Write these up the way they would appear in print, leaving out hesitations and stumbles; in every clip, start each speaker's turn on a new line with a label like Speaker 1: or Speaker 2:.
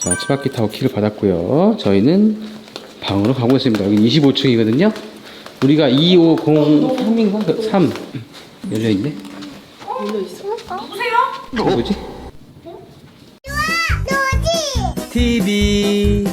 Speaker 1: 자, 치바키 타워 키를 받았고요. 저희는 방으로 가고 있습니다. 여기 25층이거든요. 우리가 2503인가? 3 열려있네.
Speaker 2: 열려있어? 누구세요?
Speaker 1: 누구지? TV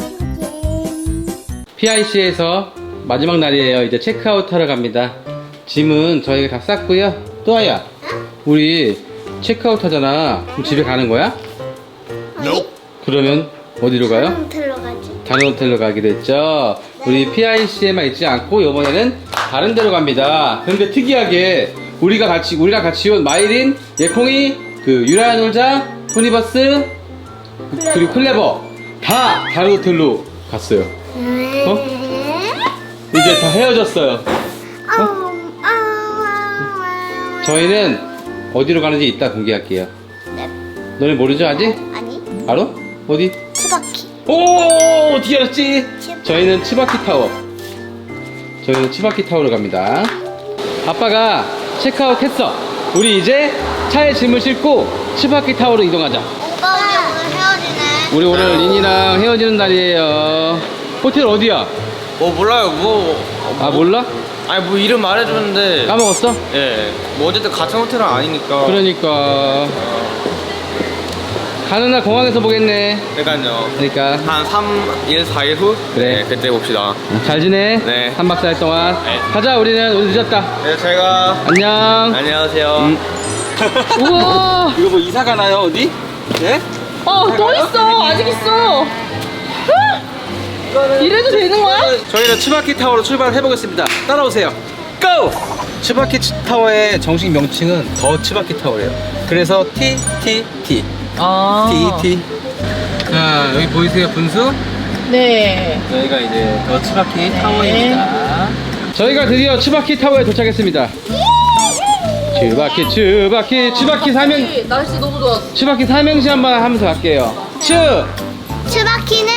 Speaker 1: PIC에서 마지막 날이에요. 이제 체크아웃 하러 갑니다. 짐은 저희가 다 쌌고요. 또아야, 우리 체크아웃 하잖아. 그럼 집에 가는 거야?
Speaker 3: 아니,
Speaker 1: 그러면 어디로 가요?
Speaker 3: 호텔로 가지.
Speaker 1: 다른 호텔로 가기로 했죠. 우리 PIC에만 있지 않고 이번에는 다른 데로 갑니다. 근데 특이하게 우리랑 같이 온 마이린, 예콩이, 그 유라놀자, 토니버스, 그리고 클레버 다 다른 호텔로 갔어요. 이제 다 헤어졌어요. 저희는 어디로 가는지 이따 공개할게요.
Speaker 3: 네.
Speaker 1: 너네 모르죠 아직?
Speaker 3: 아니,
Speaker 1: 알아? 어디?
Speaker 3: 치바키.
Speaker 1: 오, 어떻게 알았지?
Speaker 3: 치바키.
Speaker 1: 저희는 치바키 타워. 저희는 치바키 타워로 갑니다. 아빠가 체크아웃 했어. 우리 이제 차에 짐을 싣고 치바키 타워로 이동하자.
Speaker 3: 오빠 우리 오늘 헤어지네.
Speaker 1: 우리 오늘 린이랑 헤어지는 날이에요. 호텔 어디야?
Speaker 4: 몰라요.
Speaker 1: 아, 몰라?
Speaker 4: 아니 뭐 이름 말해주는데.
Speaker 1: 까먹었어?
Speaker 4: 예. 뭐 어쨌든 같은 호텔은 아니니까.
Speaker 1: 그러니까 가는 날 공항에서 보겠네.
Speaker 4: 그러니까요.
Speaker 1: 그러니까
Speaker 4: 한 3일, 4일 후.
Speaker 1: 그래.
Speaker 4: 네, 그때 봅시다.
Speaker 1: 잘 지내?
Speaker 4: 네.
Speaker 1: 3박 4일 동안.
Speaker 4: 네.
Speaker 1: 가자. 우리는 오늘 늦었다.
Speaker 4: 네, 제가.
Speaker 1: 안녕.
Speaker 4: 안녕하세요.
Speaker 2: 우와.
Speaker 1: 이거 뭐 이사 가나요 어디? 네?
Speaker 2: 또 있어. 아직 있어. 이래도 되는 거야?
Speaker 1: 저희는 치바키 타워로 출발해 보겠습니다. 따라오세요. 고! 치바키 타워의 정식 명칭은 더 치바키 타워예요. 그래서 TTT. TT. 자, 여기 보이세요 분수?
Speaker 2: 네.
Speaker 1: 여기가 이제 더 치바키 타워입니다. 저희가 드디어 치바키 타워에 도착했습니다. 치바키 삼행.
Speaker 2: 날씨 너무 좋았어.
Speaker 1: 치바키 삼행시 한번 하면서 갈게요.
Speaker 3: 치바키는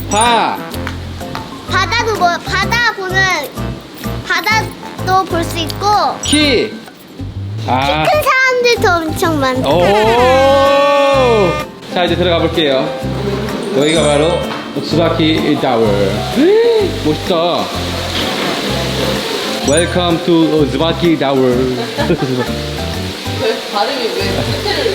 Speaker 3: 바다도 볼 수 있고
Speaker 1: 키. 아.
Speaker 3: 큰 사람들도 엄청 많고.
Speaker 1: 오. 자, 이제 들어가 볼게요. 여기가 바로 치바키 타워. 멋있다. Welcome to 치바키 타워.
Speaker 2: 왜 발음이 왜 호텔을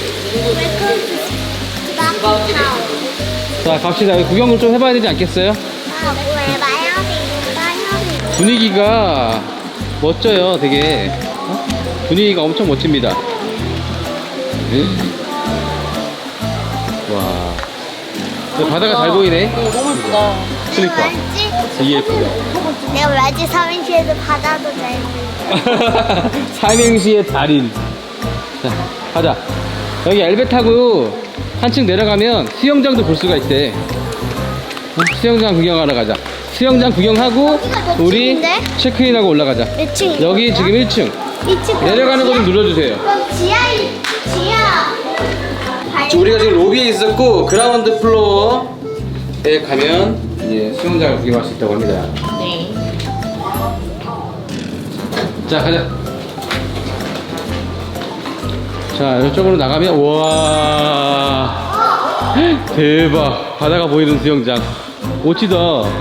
Speaker 3: 치바키 타워.
Speaker 1: 자, 갑시다. 여기 구경을 좀 해봐야 되지 않겠어요?
Speaker 3: 왜 마야비
Speaker 1: 분위기가 멋져요, 되게. 어? 분위기가 엄청 멋집니다. 와. 근데 바다가 잘 보이네.
Speaker 2: 너무 예쁘다.
Speaker 1: 그러니까. 이게 예쁘다.
Speaker 3: 내가 말지 삼행시에도 바다도 잘 보여.
Speaker 1: 삼행시의 달인. 자, 가자. 여기 엘베 타고 한층 내려가면 수영장도 볼 수가 있대. 수영장 구경하러 가자. 수영장 구경하고
Speaker 3: 여기가 몇
Speaker 1: 우리
Speaker 3: 층인데?
Speaker 1: 체크인하고 올라가자.
Speaker 3: 몇 층이야?
Speaker 1: 여기 지금 1층.
Speaker 3: 2층.
Speaker 1: 내려가는 거 좀 눌러주세요.
Speaker 3: 그럼 지하.
Speaker 1: 우리가 지금 로비에 있었고 그라운드 플로어에 가면 이제 수영장을 구경할 수 있다고 합니다.
Speaker 2: 네.
Speaker 1: 자, 가자. 자, 이쪽으로 나가면 우와 대박. 바다가 보이는 수영장. 멋지다.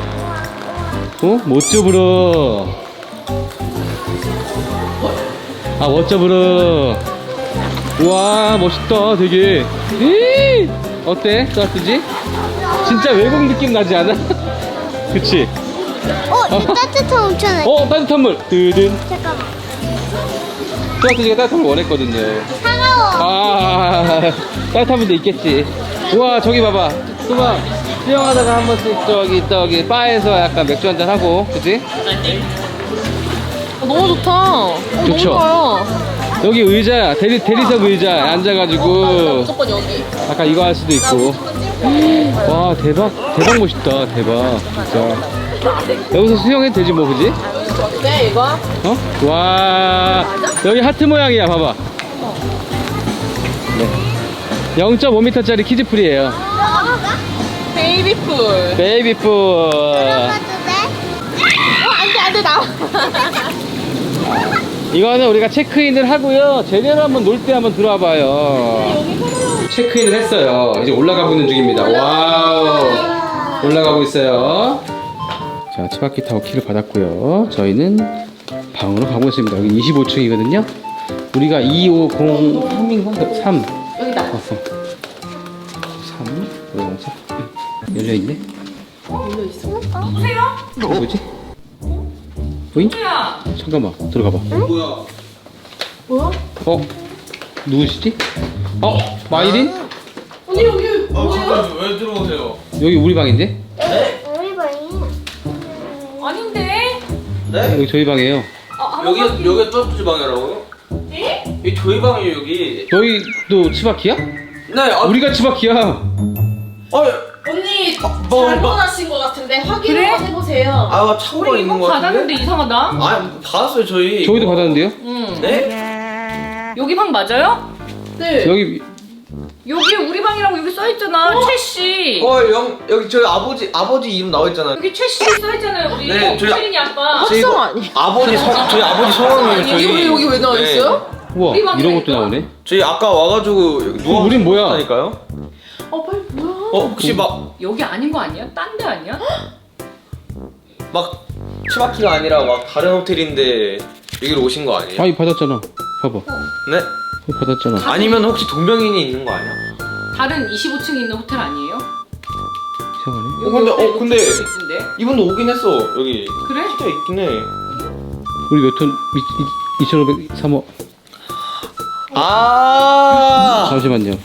Speaker 1: 멋져 불어. 아, 멋져 불어. 우와, 멋있다 되게. 어때? 따뜻지? 진짜 외국 느낌 나지 않아? 그치?
Speaker 3: 이거 따뜻한 온천에.
Speaker 1: 따뜻한 물. 뜨든.
Speaker 3: 잠깐만.
Speaker 1: 따뜻지가 따뜻한 물 원했거든요.
Speaker 3: 차가워.
Speaker 1: 따뜻한 물도 있겠지. 우와, 저기 봐봐. 수박 수영하다가 한 번씩 저기 바에서 약간 맥주 한잔 하고, 그치?
Speaker 2: 너무 좋다.
Speaker 1: 좋죠?
Speaker 2: 너무 좋아요.
Speaker 1: 여기 의자, 대리석 의자에 앉아가지고
Speaker 2: 무조건 여기.
Speaker 1: 약간 이거 할 수도 있고. 와, 대박 멋있다. 대박 진짜. 여기서 수영해도 되지 뭐, 그지?
Speaker 2: 네, 이거.
Speaker 1: 와, 여기 하트 모양이야. 봐봐. 네. 0.5m짜리 키즈풀이에요.
Speaker 2: 베이비풀.
Speaker 1: 베이비풀.
Speaker 3: 들어가도 돼?
Speaker 2: 안 돼, 나와.
Speaker 1: 이거는 우리가 체크인을 하고요. 제대로 한번 놀 때 한번 들어와 봐요. 체크인을 했어요. 이제 올라가고 있는 중입니다. 와우. 올라가고 있어요. 자, 치바키 타워 키를 받았고요. 저희는 방으로 가고 있습니다. 여기 25층이거든요. 우리가 250인가? 3.
Speaker 2: 여기다.
Speaker 1: 3. 열려있네.
Speaker 2: 열려있어.
Speaker 5: 누구세요?
Speaker 1: 뭐지? 보잉?
Speaker 5: 누구야?
Speaker 1: 잠깐만, 들어가봐.
Speaker 4: 뭐야?
Speaker 2: 뭐야?
Speaker 1: 누구시지? 마이린?
Speaker 2: 언니 여기
Speaker 4: 잠깐 왜 들어오세요?
Speaker 1: 여기 우리 방인데?
Speaker 3: 우리 방이.
Speaker 5: 아닌데?
Speaker 4: 네?
Speaker 1: 여기 저희 방이에요.
Speaker 4: 여기 또 방이라고요?
Speaker 5: 네?
Speaker 4: 여기 저희 방이에요 여기.
Speaker 1: 너희도 치바키야?
Speaker 4: 네.
Speaker 1: 우리가 치바키야.
Speaker 2: 언니
Speaker 4: 뭐,
Speaker 2: 잘못 하신 것 같은데 확인을
Speaker 5: 그래?
Speaker 2: 한번 해보세요.
Speaker 4: 아 창고가
Speaker 5: 우리
Speaker 4: 있는
Speaker 5: 이거
Speaker 4: 거
Speaker 5: 받았는데
Speaker 4: 같은데?
Speaker 5: 이상하다.
Speaker 4: 아 받았어요 저희.
Speaker 1: 저희도 받았는데요?
Speaker 5: 응.
Speaker 4: 네?
Speaker 5: 여기 방 맞아요?
Speaker 2: 네.
Speaker 1: 여기
Speaker 5: 여기 우리 방이라고 여기 써있잖아. 최씨.
Speaker 4: 여기 저희 아버지 이름 나와 있잖아요.
Speaker 5: 여기 최씨 써있잖아요. 우리
Speaker 4: 네, 저희
Speaker 5: 최린이 아빠.
Speaker 4: 저희
Speaker 2: 합성 아니에요?
Speaker 4: 저희 아버지 성함이에요 저희.
Speaker 2: 이게 여기 왜 나와 있어요?
Speaker 1: 우와
Speaker 5: 우리 방이라니까?
Speaker 1: 이런 것도 나오네.
Speaker 4: 저희 아까 와가지고 누워.
Speaker 1: 우린 뭐야?
Speaker 4: 하니까요?
Speaker 2: 빨리 뭐야?
Speaker 4: 혹시 막
Speaker 5: 여기 아닌 거 아니야? 딴 데 아니야?
Speaker 4: 치바키가 아니라 막 다른 호텔인데 여기로 오신 거 아니에요?
Speaker 1: 아니 받았잖아. 봐봐.
Speaker 4: 네?
Speaker 1: 받았잖아.
Speaker 4: 아니면 혹시 동명인이 있는 거 아니야?
Speaker 5: 다른 25층에 있는 호텔 아니에요?
Speaker 1: 이상하네.
Speaker 5: 여기
Speaker 4: 근데
Speaker 5: 옆에 있던데.
Speaker 4: 이분도 오긴 했어 여기.
Speaker 5: 그래?
Speaker 4: 진짜 있긴 해.
Speaker 1: 우리 몇 톤? 2,503호.
Speaker 4: 아
Speaker 1: 잠시만요.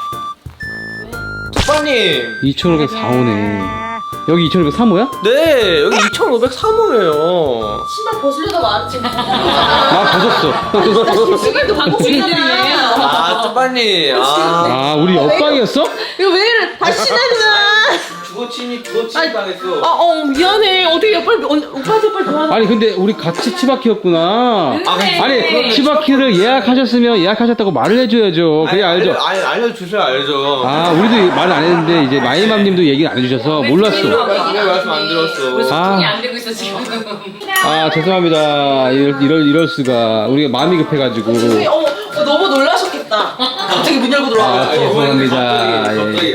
Speaker 4: 오빠님.
Speaker 1: 2,504호네. 여기 2,503호야?
Speaker 4: 네 여기 2,503호예요.
Speaker 2: 신발 벗으려다 말았지.
Speaker 1: 나 벗었어.
Speaker 2: 지금도 방금
Speaker 5: 주인들이에요.
Speaker 4: 아 쭈빠님.
Speaker 1: 아 우리 옆방이었어?
Speaker 2: 이거 왜 이래? 다시 신나잖아.
Speaker 4: 주거침입 당했어.
Speaker 2: 미안해. 어떻게 빨리 오빠한테 빨리 도와줘.
Speaker 1: 아니 근데 우리 같이 치바키였구나.
Speaker 5: 네.
Speaker 1: 아니 치바키를 예약하셨으면 예약하셨다고 말을 해줘야죠. 그래야 알죠.
Speaker 4: 알려주셔야 알죠.
Speaker 1: 아 우리도 말을 안 했는데 이제 마이맘님도 얘기를 안 해주셔서 몰랐어.
Speaker 4: 왜 말씀 안 들었어?
Speaker 5: 우리
Speaker 1: 아.
Speaker 5: 소통이 안 되고 있어 지금.
Speaker 1: 아 죄송합니다. 이럴 수가. 우리가 마음이 급해가지고.
Speaker 2: 너무 놀라셨겠다. 갑자기 문 열고 들어와.
Speaker 1: 아 죄송합니다.
Speaker 4: 갑자기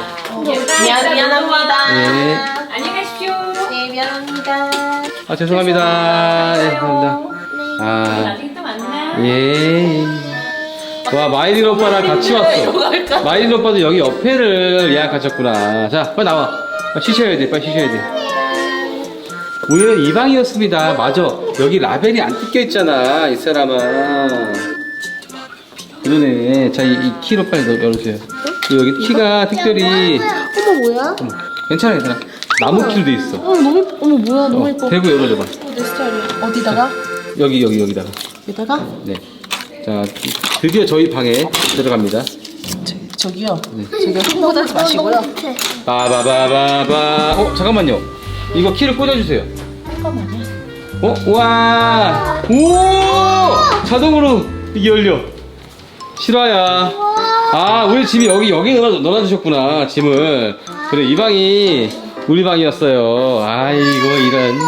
Speaker 2: 미안합니다.
Speaker 1: 예.
Speaker 5: 안녕히 가십시오.
Speaker 2: 네, 미안합니다.
Speaker 1: 아 죄송합니다. 예, 죄송합니다. 아
Speaker 5: 나중에 또 만나.
Speaker 1: 예. 와 마이린 오빠랑 같이 왔어. 마이린 오빠도 여기 옆에를 예약하셨구나. 자 빨리 나와. 빨리 쉬셔야 돼. 빨리 쉬셔야 돼. 우리는 이 방이었습니다. 맞아. 여기 라벨이 안 뜯겨 있잖아. 이 사람아. 그러네. 자, 이 키로 빨리 열어주세요. 여기 키가 특별히.
Speaker 3: 어머 뭐야?
Speaker 1: 괜찮아, 괜찮아. 나무 키로 돼 있어.
Speaker 2: 어머 뭐야 너무 예뻐.
Speaker 1: 대고 열어줘봐.
Speaker 2: 내 스타일이야. 어디다가?
Speaker 1: 여기다가.
Speaker 2: 여기다가?
Speaker 1: 네. 자, 드디어 저희 방에 들어갑니다.
Speaker 2: 저기요. 저기요. 흥분하지 마시고요.
Speaker 1: 빠바바바바. 잠깐만요. 이거 키를 꽂아주세요.
Speaker 2: 잠깐만요.
Speaker 1: 와! 오! 자동으로 이게 열려. 실화야. 아, 우리 짐이 여기 넣어주셨구나, 짐을. 그래, 이 방이 우리 방이었어요. 아이고, 이런.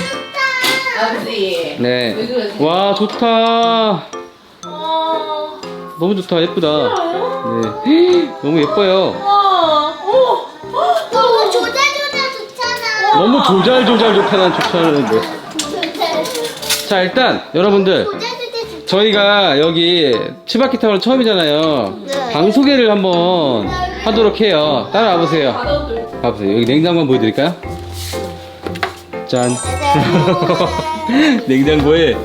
Speaker 2: 아버지.
Speaker 1: 네.
Speaker 2: 왜 그러세요?
Speaker 1: 와, 좋다. 너무 좋다, 예쁘다. 네. 너무 예뻐요.
Speaker 3: 너무 조잘조잘 좋잖아.
Speaker 1: 너무 조잘조잘 좋다는데. 자, 일단, 여러분들.
Speaker 3: 조잘조잘 좋.
Speaker 1: 저희가 여기 치바키 타워는 처음이잖아요.
Speaker 3: 네.
Speaker 1: 방 소개를 한번 하도록 해요. 따라와 보세요. 봐보세요. 여기 냉장고 한번 보여드릴까요? 짠. 냉장고에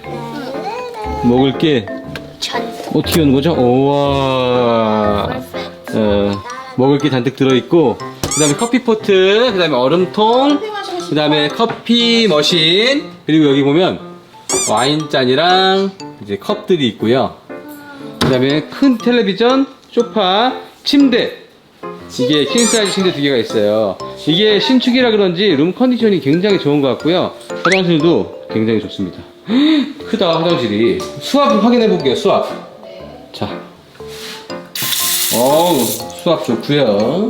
Speaker 1: 먹을 게 어떻게 하는 거죠? 우와. 먹을 게 잔뜩 들어있고, 그 다음에 커피포트, 그 다음에 얼음통, 그 다음에 커피 머신, 그리고 여기 보면 와인잔이랑 이제 컵들이 있고요. 그 다음에 큰 텔레비전, 소파, 침대. 이게 킹사이즈 침대 두 개가 있어요. 이게 신축이라 그런지 룸 컨디션이 굉장히 좋은 것 같고요. 화장실도 굉장히 좋습니다. 크다, 화장실이. 수압 확인해 볼게요, 수압. 자. 어우, 수압 좋고요.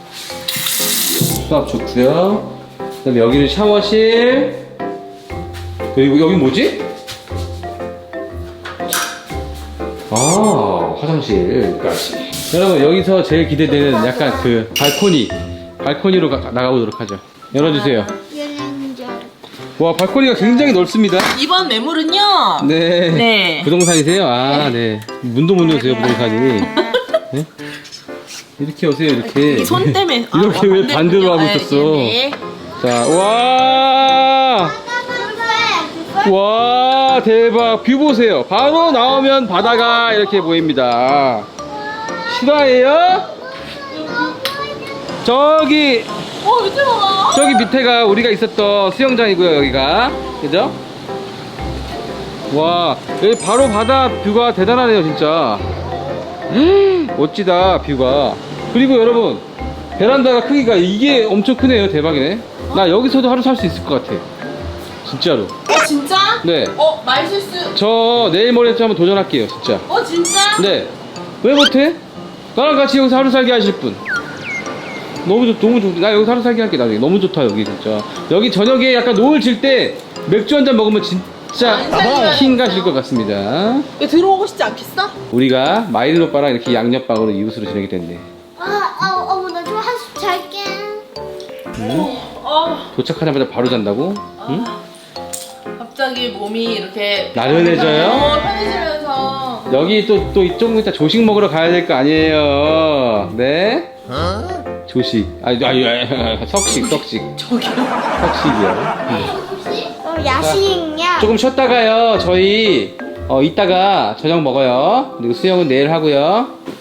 Speaker 1: 수압 좋고요. 그 다음에 여기는 샤워실. 그리고 여기 뭐지? 아, 화장실까지. 여러분 여기서 제일 기대되는 약간 그 발코니로 나가보도록 하죠. 열어주세요.
Speaker 3: 얘는 줄 알았다.
Speaker 1: 와 발코니가 굉장히 넓습니다.
Speaker 2: 이번 매물은요.
Speaker 1: 네.
Speaker 2: 네.
Speaker 1: 부동산이세요? 아 네. 문도 못 여세요 부동산이. 네? 이렇게 오세요 이렇게.
Speaker 2: 이 손 때문에.
Speaker 1: 이렇게 왜 반대로 하고 있었어?
Speaker 2: 네.
Speaker 1: 자, 와 대박 뷰 보세요. 바로 나오면 바다가 이렇게 보입니다. 실화예요? 저기
Speaker 2: 밑에 봐봐.
Speaker 1: 저기 밑에가 우리가 있었던 수영장이고요. 여기가 그죠? 와 여기 바로 바다 뷰가 대단하네요 진짜. 멋지다 뷰가. 그리고 여러분 베란다가 크기가 이게 엄청 크네요. 대박이네. 나 여기서도 하루 살 수 있을 것 같아 진짜로.
Speaker 2: 진짜?
Speaker 1: 네.
Speaker 2: 말 실수.
Speaker 1: 저 내일 모레쯤 한번 도전할게요 진짜.
Speaker 2: 진짜?
Speaker 1: 네. 왜 못해? 나랑 같이 여기서 하루 살기 하실 분. 너무 좋. 나 여기서 하루 살기 할게 나중에. 너무 좋다 여기 진짜. 여기 저녁에 약간 노을 질 때 맥주 한 잔 먹으면 진짜 킹 가실 것 같습니다.
Speaker 2: 들어오고 싶지 않겠어?
Speaker 1: 우리가 마이린 오빠랑 이렇게 양옆방으로 이웃으로 지내게 됐네.
Speaker 3: 어머, 나 좀 한숨 잘게.
Speaker 1: 도착하자마자 바로 잔다고? 응?
Speaker 2: 갑자기 몸이 이렇게
Speaker 1: 나른해져요?
Speaker 2: 편해지면서
Speaker 1: 여기 또 이쪽 이따 조식 먹으러 가야 될 거 아니에요. 네? 조식. 아니 석식.
Speaker 2: 저기요.
Speaker 1: 석식이요.
Speaker 3: 야식이야.
Speaker 1: 조금 쉬었다가요. 저희 이따가 저녁 먹어요. 그리고 수영은 내일 하고요.